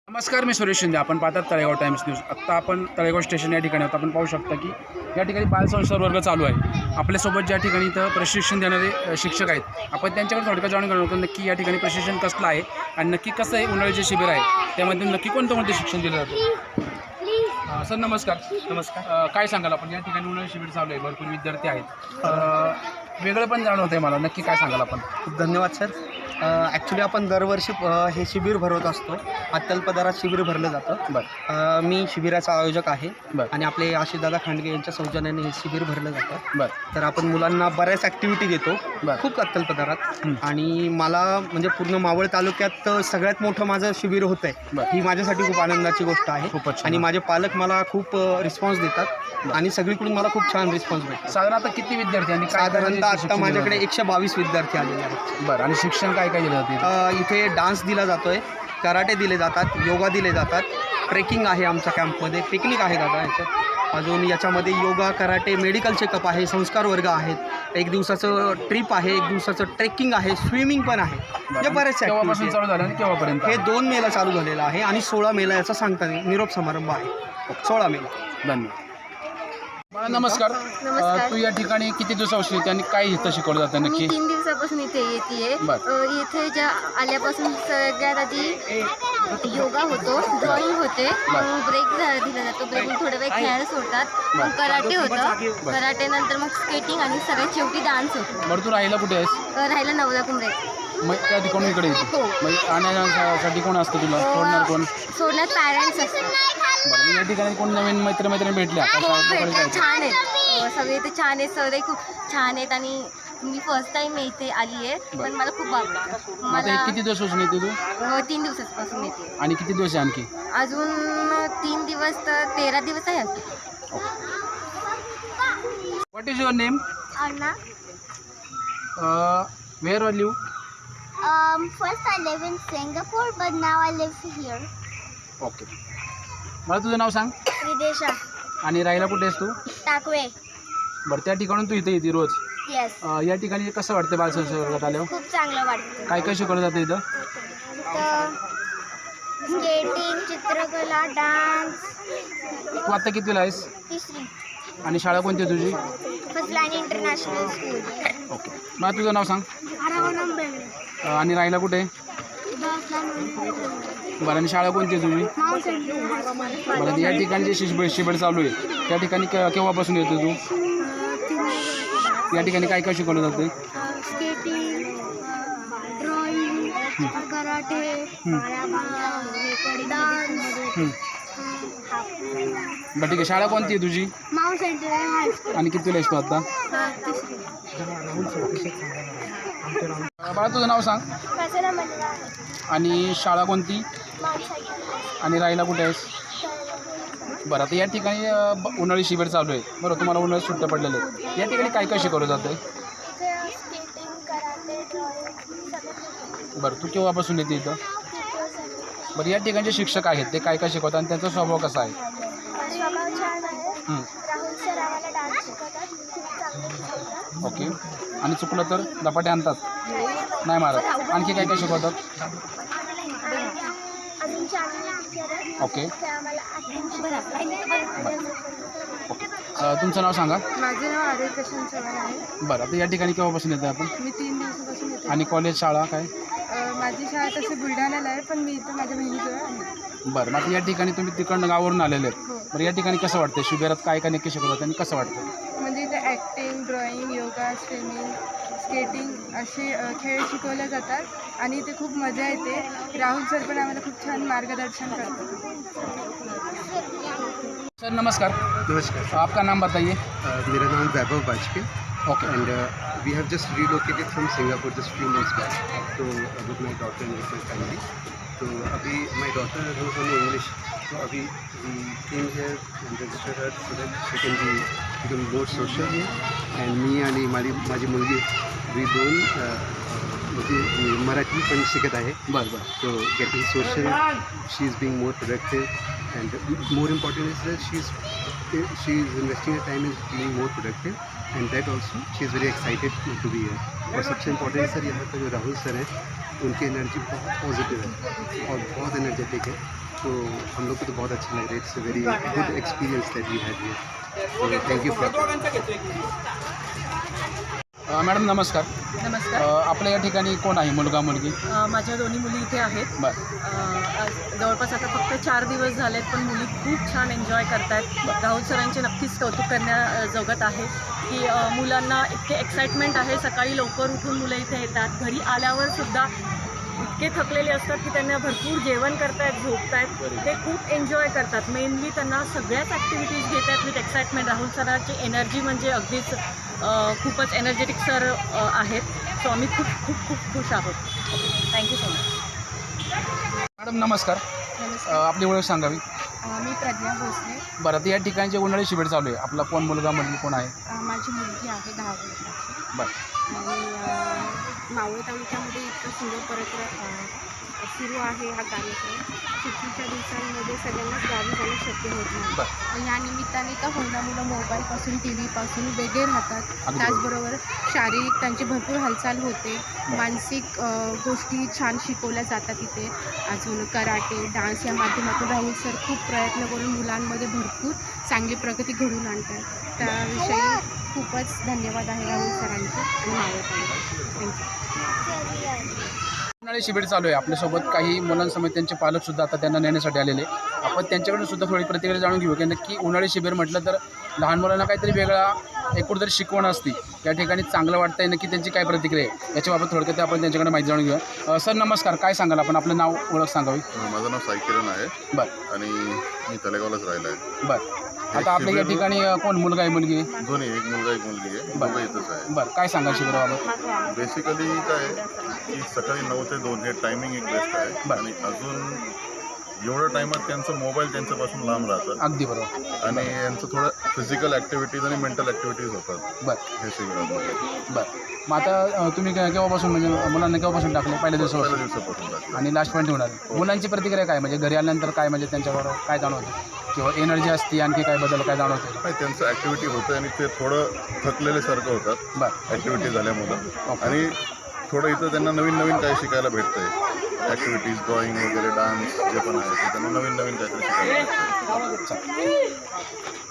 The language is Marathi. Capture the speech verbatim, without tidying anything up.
नमस्कार, मी सुरेश शिंदे. आपण पाहतात तळेगाव टाइम्स न्यूज. आत्ता आपण तळेगाव स्टेशन या ठिकाणी आहोत. आपण पाहू शकता की या ठिकाणी बालसंस्कार वर्ग चालू आहे. आपल्यासोबत ज्या ठिकाणी इथं प्रशिक्षण देणारे अ, शिक्षक आहेत, आपण त्यांच्याकडे थोडक्यात जाणून घेणार होतो नक्की या ठिकाणी प्रशिक्षण कसलं आहे आणि नक्की कसं आहे उन्हाळी जे शिबिर आहे त्यामध्ये नक्की कोणतं कोणतं शिक्षण दिलं जातं. अ, सर नमस्कार. नमस्कार. अ, काय सांगाल आपण या ठिकाणी उन्हाळी शिबिर चालू आहे, भरपूर विद्यार्थी आहेत, तर वेगळं पण जाणवतं आहे मला, नक्की काय सांगाल आपण. खूप धन्यवाद सर. ॲक्च्युली आपण दरवर्षी अ, हे शिबिर भरवत असतो. अत्यल्पदरात शिबिर भरलं जातं. बरं अ, मी शिबिराचा आयोजक आहे बरं आणि आपले आशिषदादा खांडगे यांच्या सौजन्याने हे शिबिर भरलं जातं. बरं तर आपण मुलांना बऱ्याच ॲक्टिव्हिटी देतो, बरं. खूप अत्यल्पदरात. हं. आणि मला म्हणजे पूर्ण मावळ तालुक्यात सगळ्यात मोठं माझं शिबिर होतं आहे, बरं. ही माझ्यासाठी खूप आनंदाची गोष्ट आहे. खूपच छान. आणि माझे पालक मला खूप रिस्पॉन्स देतात आणि सगळीकडून मला खूप छान रिस्पॉन्स भेटतो. साधारण आता किती विद्यार्थी आणि काय साधारणतः प्रकारचे आत्ता शिक्षण माझ्याकडे दिलं एकशे बावीस विद्यार्थी आलेले आहेत. जातं? बरं. आणि शिक्षण काय काय दिलं जाते? अ, इथे डान्स दिला जातो आहे, कराटे दिले जातात, योगा दिले जातात, ट्रेकिंग आहे आमच्या कॅम्पमध्ये, पिकनिक आहे दादा याच्यात. अजून याच्यामध्ये योगा, कराटे, मेडिकल चेकअप आहे, संस्कार वर्ग आहेत, एक दिवसाचं ट्रिप आहे, एक दिवसाचं ट्रेकिंग आहे, स्विमिंग पण आहे. म्हणजे बरेचसे केव्हापासून activity चालू झालं आणि केव्हापर्यंत? आहे. हे दोन मेला चालू झालेलं आहे आणि सोळा मेला याचा सांगता निरोप समारंभ आहे. सोळा मेला. धन्यवाद. बाळा नमस्कार. नमस्कार. अ, तू या ठिकाणी किती दिवसापासून येते आणि काय इथं शिकवलं जातं मी नक्की? तीन दिवसापासून इथे येते. बरं. इथे ज्या आल्यापासून सगळ्यात आधी योगा होतो, ड्रॉइंग होते, मग ब्रेक दिला जातो, ब्रेक थोडा वेळ खेळायला सोडतात, मग कराटे होतं, कराटे नंतर मग स्केटिंग आणि सगळ्यात शेवटी डान्स होतो. बरं, तू राहिला कुठे आहेस? अ, राहिला नवला कुंभरे. मग त्या ठिकाणी इकडे येते. हो. मग आणण्यासाठी कोण असतं तुला, सोडणार कोण? सोडण्यात पॅरेंट्स असतात. बरं. मग या ठिकाणी कोण नवीन मैत्रमैत्रिणी भेटल्या का? हो, शाळेत वगैरे भेटतात, जायचं? छान आहेत. अ, सगळे इथे छान आहेत, सगळे खूप छान आहेत आणि मी फर्स्ट टाइम इथे आली आहे, पण मला खूप आवडतं. मग आता मला हे किती दिवसापासून येते तू अ, तीन दिवसापासून येते. आणि किती दिवस आहे आणखी? अजून तीन दिवस तर तेरा दिवस आहे अजून. What is your name? Anna. Where are you? Um, first I live in Singapore, but now I live here. Okay. मला तुझं नाव सांग Videsha. आणि राहायला कुठे आहेस तू? Takwe. बरं, त्या ठिकाणून तू इथे येते रोज. Yes. अ, या ठिकाणी कसं वाटतं बालसंस्कार वर्गात आल्यावर? खूप चांगलं वाटतं. काय काय शिकवलं जातं इथं? तर स्केटिंग, चित्रकला, डान्स. तू आता कितवीला आहेस तिसरी. आणि शाळा कोणती आहे तुझी? First line international school. Okay. मला तुझं नाव सांग. आरावणम बेंगळे. अ, आणि राहायला कुठे? बरं, आणि शाळा कोणती आहे तुझी? माउंट सेंट बरं, या ठिकाणी जे शिबिर शिबिर चालू आहे त्या ठिकाणी के- केव्हापासून येतो तू? या ठिकाणी काय काय शिकवलं जातं? Skating, drawing, karate, dance. हं. बरं, ठीक आहे. शाळा कोणती आहे तुझी माउंट सेंट हायस्कूल. आणि कितीला आहेस तू आता? तिसरी. अ, बाळा तुझं नाव सांग कचरा मंडळ. आणि शाळा कोणती माउंट सेंट. आणि राहायला कुठे आहेस? बरं, आता या ठिकाणी अ, ब- उन्हाळी शिबिर चालू आहे. बरं, तुम्हाला उन्हाळी सुट्ट्या पडलेल्या आहेत. या ठिकाणी काय काय शिकवलं जातं आहे? स्केटिंग, कराटे, ड्रॉइंग सगळं. बरं, तू केव्हापासून येते इथं? बरं, या ठिकाणचे शिक्षक आहेत ते काय काय शिकवतात आणि त्यांचा स्वभाव कसा आहे? स्वभाव छान आहे. हं. राहुल सर आम्हाला डान्स शिकवतात, खूप चांगलं शिकवतात. ओके. आणि चुकलं तर धपाटे आणतात? नाही मारत. आणखी काय काय शिकवतात? अजून चांगले टीचर आहेत. ओके. ते आम्हाला acting शिकवतात. ओके. अ, तुमचं नाव सांगा. माझं नाव आर्य प्रशांत चव्हाण आहे. बरं, आता या ठिकाणी केव्हापासून येतं आपण? मी तीन दिवसापासून येते. आणि कॉलेज शाळा काय? अ, माझी शाळा तशी बुलढाण्याला आहे, पण मी इथं माझ्या बहिणीजवळ आहे. बरं, मग आता या ठिकाणी तुम्ही तिकडनं गावावरून आलेले आहेत. हो. बरं, या ठिकाणी कसं वाटतं? शिबिरात काय काय नक्की शिकवतात आणि कसं वाटतं? म्हणजे इथे acting, drawing, yoga, swimming, skating असे अ, खेळ शिकवले जातात आणि इथे खूप मजा येते. राहुल सर पण आम्हाला खूप छान मार्गदर्शन करतात. सर नमस्कार. नमस्कार. आपका नाम बताइए. मेरा नाम Vaibhav Vajpayee. Okay. And uh, we have just relocated from Singapore just few months back to uh, with my daughter and with my family. So अभी my daughter knows only English. So अभी we came here and registered her so that she can be become more social here. And मी आणि माझी माझी मुलगी we दोन uh, म्हणजे मराठी पण शिकत आहे. बरं बरं. So getting social, she is being more productive, and more important is that she is she is investing her time in being more productive, and that also she is very excited to be here. और सबसे इम्पोर्टेंट सर यहाँ पर जो राहुल सर है उनकी एनर्जी बहुत पॉजिटिव है और बहुत एनर्जेटिक है. तो हम लोग को तो बहुत अच्छा लग रहा है. It's a very good experience that we had here. तो थैंक यू फॉर. मॅडम नमस्कार. नमस्कार. अ, आपल्या या ठिकाणी कोण आहे, मुलगा मुलगी? अ, माझ्या दोन्ही मुली इथे आहेत. बरं. अ, आज जवळपास आता फक्त चार दिवस झालेत, पण मुली खूप छान एन्जॉय करत आहेत. राहुल सरांचे नक्कीच कौतुक करण्याजोगत आहे की अ, मुलांना इतके एक्साइटमेंट आहे. सकाळी लवकर उठून मुलं इथे येतात. घरी आल्यावर सुद्धा इतके थकलेले असतात की त्यांना भरपूर जेवण करतायत, झोपतायत. ते खूप एन्जॉय करतात. मेनली त्यांना सगळ्याच ॲक्टिव्हिटीज घेत आहेत विथ एक्साइटमेंट. राहुल सरांची एनर्जी म्हणजे अगदीच अ, खूपच एनर्जेटिक सर अ, आहेत. सो आम्ही खूप खूप खूप खुश आहोत. Thank you so much. मॅडम नमस्कार. अ, नमस्कार. आपली ओळख सांगावी. अ, मी प्रज्ञा भोसले. बरं, आता या ठिकाणी जे उन्हाळी शिबिर चालू आहे, आपला कोण मुलगा मुलगी कोण आहे? अ, माझी मुलगी आहे दहा वर्षाची. बरं. आणि अ, मावळ तालुक्यामध्ये इतकं सुंदर परत सुरू आहे हा कार्यक्रम. सुट्टीच्या दिवसांमध्ये सगळ्यांनाच गावी जाणं शक्य होत नाही. बरं. आणि या निमित्ताने का होईना मुलं मोबाईलपासून टी व्हीपासून वेगळे राहतात. अगदी त्याचबरोबर शारीरिक त्यांची भरपूर हालचाल होते. मानसिक अ, गोष्टी छान शिकवल्या जातात इथे. अजून कराटे, डान्स या माध्यमातून राहुल सर खूप प्रयत्न करून मुलांमध्ये भरपूर चांगली प्रगती घडवून आणतात. त्याविषयी खूपच धन्यवाद आहे राहुल सरांचे आणि मावळ तालुक्याचे. थँक्यू. उन्हाळी शिबिर चालू आहे. आपल्यासोबत काही मुलांसमेत त्यांचे पालकसुद्धा आता त्यांना नेण्यासाठी आलेले. आपण त्यांच्याकडून सुद्धा थोडी प्रतिक्रिया जाणून घेऊ की नक्की उन्हाळी शिबिर म्हटलं तर लहान मुलांना काहीतरी वेगळा एकूण तरी शिकवण असते. या ठिकाणी चांगलं वाटतंय, नक्की त्यांची काय प्रतिक्रिया आहे याच्याबाबत थोडक्यात आपण त्यांच्याकडे माहिती जाणून घेऊया. सर नमस्कार. काय सांगाल आपण? आपलं नाव ओळख सांगावी. माझं नाव साई किरण आहे. बरं. आणि मी तलेगावलाच राहिला आहे. बरं. आता आपल्या या ठिकाणी अ, कोण मुलगा आहे मुलगी? दोन्ही, एक मुलगा एक मुलगी आहे. बरं. दोघं इथंच आहे. बरं. काय सांगाल शिबिराबाबत? बेसिकली काय आहे की सकाळी नऊ ते दोन हे टायमिंग एक बेस्ट आहे. बरं. आणि अजून एवढ्या टायमात त्यांचं मोबाईल त्यांच्यापासून लांब राहतात. अगदी बरोबर. आणि यांचं थोडं फिजिकल ॲक्टिव्हिटीज आणि मेंटल ॲक्टिव्हिटीज होतात बरं. हे शिबिरामध्ये. बरं. मग आता अ, तुम्ही के- केव्हापासून म्हणजे मुलांना केव्हापासून टाकले? पहिल्या पहिल्या दिवसापासून दिवसापासून टाकलं. आणि लास्ट पॉईंट होणार. मुलांची प्रतिक्रिया काय, म्हणजे घरी आल्यानंतर काय, म्हणजे त्यांच्याबरोबर काय जाणवते किंवा एनर्जी असते, आणखी काय बदल काय जाणवते? नाही, त्यांचं ॲक्टिव्हिटी होतं आणि ते थोडं थकलेल्यासारखं होतात बरं. ॲक्टिव्हिटी झाल्यामुळं. आणि थोडं इथं त्यांना नवीन नवीन काही शिकायला भेटतं आहे. ॲक्टिव्हिटीज, ड्रॉइंग वगैरे, डान्स जे पण आहे ते त्यांना नवीन नवीन काहीतरी शिकायला भेटतं. चालेल.